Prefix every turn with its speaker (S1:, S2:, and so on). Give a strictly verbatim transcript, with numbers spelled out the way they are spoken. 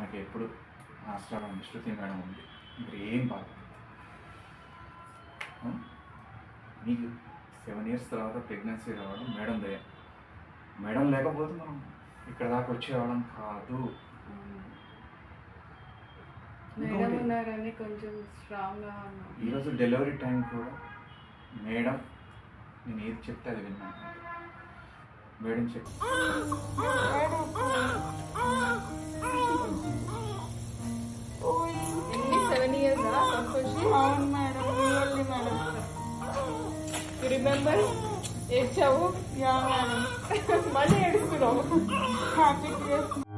S1: నాకు ఎప్పుడు ఆశ్రమం శృతి మేడం ఉంది. ఇప్పుడు ఏం బాధ మీకు సెవెన్ ఇయర్స్ తర్వాత ప్రెగ్నెన్సీ రావడం మేడం దయ. మేడం లేకపోతే మనం ఇక్కడ దాకా వచ్చేవాళ్ళం కాదు.
S2: మేడం ఉన్నారని కొంచెం స్ట్రాంగ్గా ఉన్నాం.
S1: ఈరోజు డెలివరీ టైం కూడా మేడం నేను ఏది చెప్తే అది విన్నాను. మేడం చెప్పి
S2: సెవెన్ ఇయర్స్
S3: అవును మేడం. Really madam.
S2: రిమెంబర్ ఏడ్చావు
S3: యా మేడం.
S2: మళ్ళీ ఏడుస్తున్నావు.
S3: హ్యాపీ